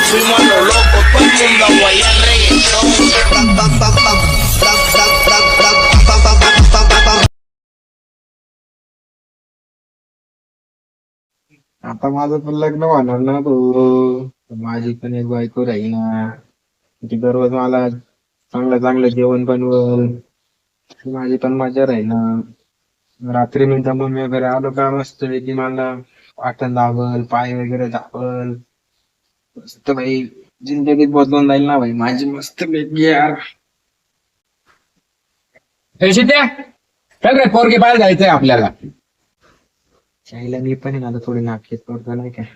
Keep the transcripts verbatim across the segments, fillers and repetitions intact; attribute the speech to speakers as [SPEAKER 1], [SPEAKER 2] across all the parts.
[SPEAKER 1] fuimos a lo loco, todo el mundo a guayar reggaetón. Pam, pam, pam, pam, pam, pam, pam, pam, pam, pam, pam, pam, pam, pam.
[SPEAKER 2] आता माझं पण लग्न होणार ना भाऊ. माझी पण एक बायको राही ना. ती दररोज मला चांगलं चांगलं जेवण बनवल. माझी पण मजा राही ना. रात्री मी दमून वगैरे आलो का मस्त पैकी मला वाटण दाबल, पाय वगैरे दाबल. मस्त भाई जिंदगीत बदलून जाईल ना भाई माझी मस्त पैकी यार.
[SPEAKER 3] हे शिट्या सगळे पोरगी बाहेर जायचंय आपल्याला.
[SPEAKER 2] शाहीला मी पण आहे ना आता थोडी नाटकेत पडतो नाही काय.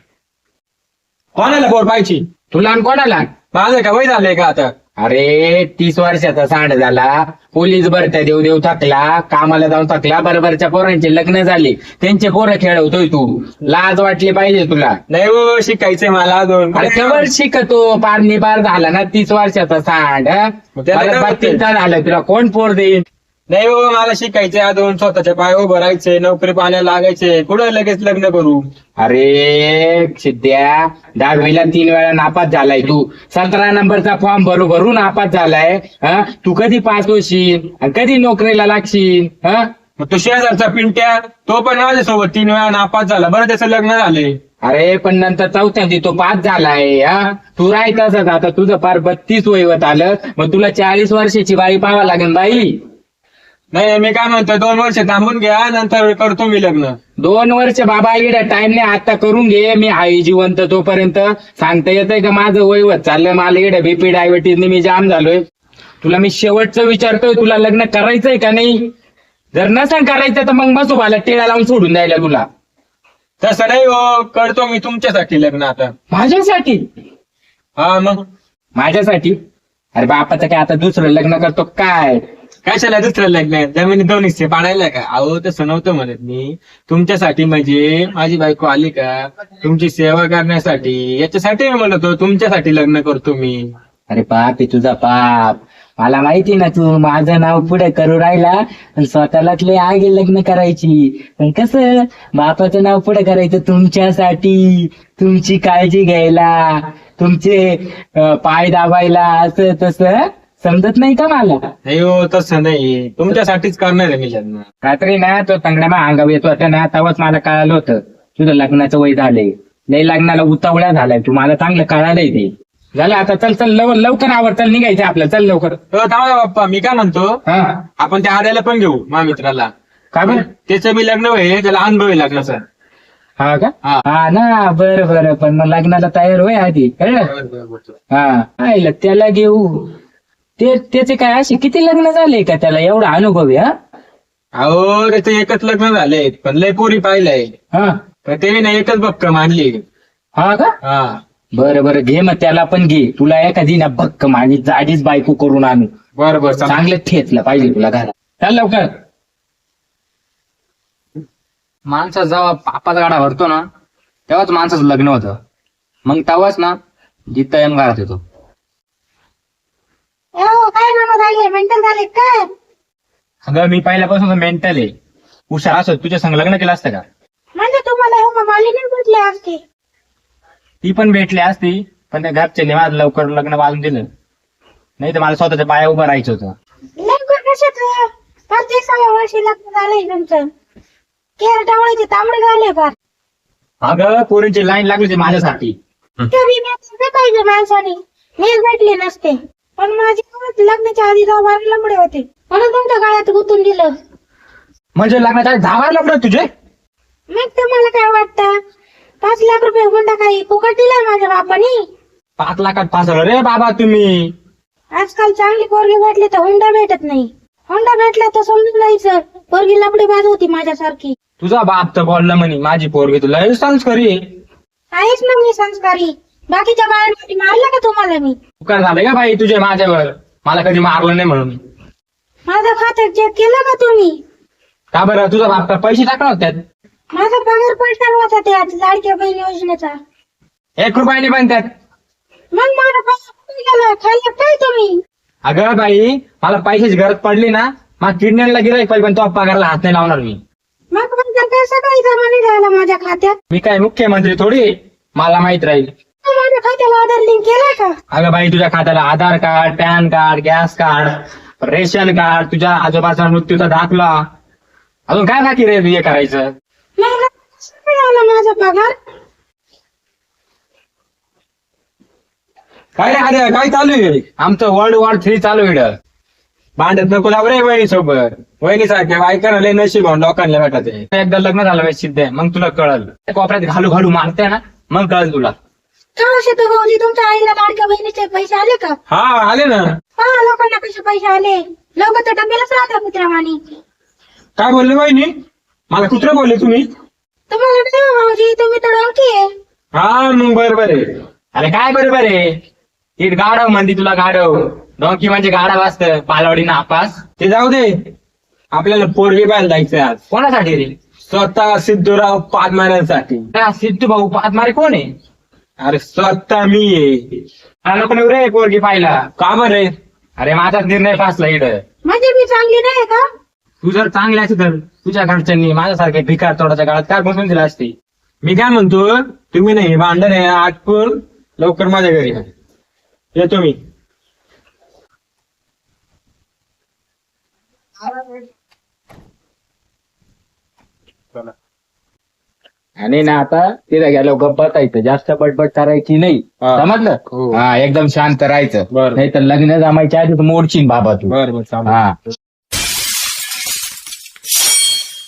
[SPEAKER 3] कोणाला पोर पाहिजे तुला आणि कोणाला? माझं का वय झालंय का आता? अरे तीस वर्षाचा सांड झाला, पोलीस भरत्या देऊ देऊ थकला, कामाला जाऊन थकला, बरोबरच्या पोरांचे लग्न झाले, त्यांचे पोरं खेळवतोय तू. लाज वाटली पाहिजे तुला.
[SPEAKER 4] नाही हो शिकायचंय मला अजून.
[SPEAKER 3] अरे कवर शिकतो पार निबार झाला ना तीस वर्षाचा सांड.
[SPEAKER 4] मग त्याला काय होतंय?
[SPEAKER 3] बत्तीसचा झाला तुला कोण पोर देईल?
[SPEAKER 4] नाही हो मला शिकायचंय अजून, स्वतःच्या पाय उभं राहायचंय, नोकरी पाण्याला लागायचंय, कुठं लगेच लग्न करू?
[SPEAKER 3] अरे सिद्ध्या दहावीला तीन वेळा नापास झालाय तू. सतरा नंबरचा फॉर्म भरू भरू नापास झालाय. हा तू कधी पास होशील आणि कधी नोकरीला लागशील? हा
[SPEAKER 4] मग तो शेजारचा पिंट्या तो पण माझ्यासोबत तीन वेळा नापास झाला, बरं त्याचं लग्न झालंय.
[SPEAKER 3] अरे पण नंतर चौथ्यांदी तो पास झालाय. हा तू राहायचं आता तुझं फार बत्तीस वयवत आलं, मग तुला चाळीस वर्षाची बाई पाहावं लागेल बाई.
[SPEAKER 4] नाही मी काय म्हणतोय दोन वर्ष थांबून घ्या, नंतर करतो मी लग्न.
[SPEAKER 3] दोन वर्ष बाबा इकडे टाइम नाही, आता करून घे. मी आहे जिवंत तोपर्यंत. सांगता येतंय का माझं वयवत चाललंय, मला इकडे बीपी डायबिटीजने मी जाम झालोय. तुला मी शेवटचं विचारतोय, तुला लग्न करायचंय का नाही? जर नसेल करायचं तर मग बसू मला टिळा लावून सोडून द्यायला तुला.
[SPEAKER 4] तसं नाही हो, करतो मी तुमच्यासाठी लग्न आता.
[SPEAKER 3] माझ्यासाठी?
[SPEAKER 4] हा मग
[SPEAKER 3] माझ्यासाठी? अरे बापाचं काय आता दुसरं लग्न करतो काय?
[SPEAKER 4] कशाला दुसरं लग्न? जमिनी दोन हिस्से पाडायला का? अहो तसं नव्हतं म्हणत मी. तुमच्यासाठी म्हणजे माझी बायको आली का तुमची सेवा करण्यासाठी, याच्यासाठी मी म्हणतो तुमच्यासाठी लग्न करतो मी.
[SPEAKER 3] अरे बाप आहे तुझा बाप. मला माहिती ना तू माझं नाव पुढे करू राहिला आणि स्वतःलाच लय आगे लग्न करायची. पण कसं बापाचं नाव पुढे करायचं तुमच्यासाठी, तुमची काळजी घ्यायला, तुमचे अं, पाय दाबायला, असं तसं समजत नाही का मला?
[SPEAKER 4] नाही हो तसं नाही, तुमच्यासाठीच करणार आहे मी लग्न.
[SPEAKER 3] रात्री ना तो तंगड्या मा अंगावर येतो होता ना, तेव्हाच मला कळालं होतं तुझं लग्नाचं वय झालंय. लय लग्नाला उतावळ्या झालाय तू, मला चांगलं कळालंय ते. झालं आता चल चल लव लवकर आवर, चल निघायचं आपल्याला, चल लवकर.
[SPEAKER 4] हो थांबा बाप्पा, मी काय म्हणतो
[SPEAKER 3] हा
[SPEAKER 4] आपण त्या आद्याला पण घेऊ मा मित्राला.
[SPEAKER 3] का बरं?
[SPEAKER 4] त्याचं बी लग्न होईल, त्याला अनुभव आहे लग्नाचा.
[SPEAKER 3] हा का?
[SPEAKER 4] हा.
[SPEAKER 3] हा ना बरं बरं, पण मग लग्नाला तयार होय आधी, कळलं? हा आईला त्याला घेऊ. ते त्याचे काय असे किती लग्न झाले का त्याला एवढा अनुभव आहे? हा
[SPEAKER 4] अहो त्याचं एकच लग्न झालंय, पण लय पोरी पाहिलंय,
[SPEAKER 3] हा
[SPEAKER 4] पण त्याने ना एकच भक्कम आणली.
[SPEAKER 3] हा का?
[SPEAKER 4] हा
[SPEAKER 3] बरं बरं घे मग त्याला पण घे. तुला एखादी ना भक्कम आणि जाडीच बायको करून आणू.
[SPEAKER 4] बरं बरं चालेल.
[SPEAKER 3] चांगलं ठेचलं पाहिजे तुला घरात. चल लवकर.
[SPEAKER 5] माणसा जेव्हा पापाचा गाडा भरतो ना तेव्हाच माणसाचं लग्न होतं. मग तेव्हाच ना जित्ता येऊन घरात येतो.
[SPEAKER 6] हो काय म्हणून राहिले, मेंटल झाले काय?
[SPEAKER 3] अगं मी पहिल्यापासून मेंटल आहे. हुशार असो तुझ्या संग लग्न केलं असतं का?
[SPEAKER 6] म्हणजे तुम्हाला हो मालिनी भेटले असते.
[SPEAKER 3] ती पण भेटली असती, पण त्या घरच्यांनी माझं लवकर लग्न वाजून दिलं. नाही तर मला स्वतःच्या पाया उभं राहायचं होतं.
[SPEAKER 6] लवकर कशात पंचवीसाव्या वर्षी लग्न झालंय तुमचं. केर डावळीचे तांबडे झाले फार.
[SPEAKER 3] अगं पोरींची लाईन लागली होती माझ्यासाठी.
[SPEAKER 6] तरी मी पाहिजे माणसाने, मीच भेटले नसते. पण माझी लग्नाच्या आधी दहा बारा लंबडे होते, म्हणून तुमच्या गाळ्यात गुंतून दिलं.
[SPEAKER 3] म्हणजे लग्नाच्या आधी दहा बारा लग्न तुझे?
[SPEAKER 6] मग तुम्हाला काय वाटतं, पाच लाख रुपये हुंडा काही फुकट दिलाय माझ्या बापानी?
[SPEAKER 3] पाच लाखात फासलं रे बाबा तुम्ही.
[SPEAKER 6] आजकाल चांगली पोरगी भेटली तर हुंडा भेटत नाही. हुंडा भेटला तर समजून जायचं पोरगी लपडी बाज होती माझ्यासारखी.
[SPEAKER 3] तुझा बाप तर बोलला म्हणे माझी पोरगी तुला संस्कारी आहे.
[SPEAKER 6] आहेच ना मी संस्कारी. बाकीच्या बायांसाठी मारलं का तुम्हाला मी?
[SPEAKER 3] उपकार झाले का बाई तुझे माझ्यावर? मला कधी मारलं नाही म्हणून.
[SPEAKER 6] माझं खातं चेक केलं का तुम्ही?
[SPEAKER 3] का बरं? तुझा बाप का पैसे टाकणार होत्यात?
[SPEAKER 6] माझा पगार पडणार होता त्यात लाडक्या बहीण योजनेचा.
[SPEAKER 3] एक रुपयाने पण त्यात.
[SPEAKER 6] मग माझा पैसा कुठे गेला? खाल्लं काय तुम्ही?
[SPEAKER 3] अगं बाई मला पैशाची गरज पडली ना, मग किडनॅपला गिराईक पाहिजे, पण तो पगारला हात नाही लावणार मी.
[SPEAKER 6] मग माझा पैसा काही जमा नाही झाला माझ्या खात्यात.
[SPEAKER 3] मी काय मुख्यमंत्री थोडी, मला माहित राहील.
[SPEAKER 6] माझ्या खात्याला आधार लिंक केलाय का?
[SPEAKER 5] अगं बाई तुझ्या खात्याला Aadhaar card, PAN card, gas card, ration card, तुझ्या आजोबाचा मृत्यूचा दाखला, अजून काय बाकी रे हे करायचं?
[SPEAKER 6] मग कसं काय आला माझा पगार?
[SPEAKER 4] काय रे अरे काय चालू आहे?
[SPEAKER 5] आमचं वर्ल्ड वॉर थ्री चालू आहे इकडं.
[SPEAKER 4] भांडत नको लाव रे वहिनी सोबत. वहिनी सारख्या बायकांना लय नशीब म्हणून लोकांना भेटत आहे.
[SPEAKER 5] एकदा लग्न झालं पाहिजे सिद्ध आहे, मग तुला कळल. त्या कोपऱ्यात घालू घालू मारते ना, मग कळल तुला.
[SPEAKER 6] का शेतू भाऊजी तुमच्या आईला लाडक्या बहिणीचे पैसे आले का?
[SPEAKER 4] हा आले ना.
[SPEAKER 6] हा लोकांना कसे पैसे आले? लोक तर डब्यालाच राहतात कुत्र्यावानी.
[SPEAKER 4] काय बोलले वहिनी? मला कुत्र बोलले तुम्ही?
[SPEAKER 6] तुम्हाला नाही हो भाऊजी, तुम्ही तर डोंकी आहे.
[SPEAKER 4] हा मग बरोबर आहे.
[SPEAKER 5] अरे काय बरोबर आहे, ती गाढव म्हणती तुला गाढव. डोंकी म्हणजे गाढव असतं, पालवाडी नापास.
[SPEAKER 4] ते जाऊ दे, आपल्याला पोरगी पाहायला जायचंय आज.
[SPEAKER 5] कोणासाठी रे?
[SPEAKER 4] स्वतः सिद्धूराव पाच मारण्यासाठी.
[SPEAKER 5] त्या सिद्धू भाऊ पाचमारे कोण आहे?
[SPEAKER 4] अरे स्वतः मी आहे.
[SPEAKER 5] मला नको नेऊ रे पोरगी पाहिला.
[SPEAKER 4] का बरे?
[SPEAKER 5] अरे माझाच निर्णय फासला इकडं.
[SPEAKER 6] म्हणजे मी चांगली नाही का?
[SPEAKER 5] तू जर चांगली असती तर तुझ्या घरच्यांनी माझ्यासारख्या भिकार तोडाच्या काळात काय बसून दिला असते?
[SPEAKER 4] मी काय म्हणतो, तुम्ही नाही भांडण आहे आटपून लवकर माझ्या घरी या. येतो मी.
[SPEAKER 5] आणि ना आता तिथे गेलो गप्प बसायचं, जास्त बडबड करायची नाही,
[SPEAKER 4] हा.
[SPEAKER 5] समजलं?
[SPEAKER 4] हो.
[SPEAKER 5] हा एकदम शांत राहायचं,
[SPEAKER 4] बरं.
[SPEAKER 5] नाही तर लग्न जमायच्या आधी मोडशील बाबा तू.
[SPEAKER 4] बरं बरं चालेल.
[SPEAKER 5] हा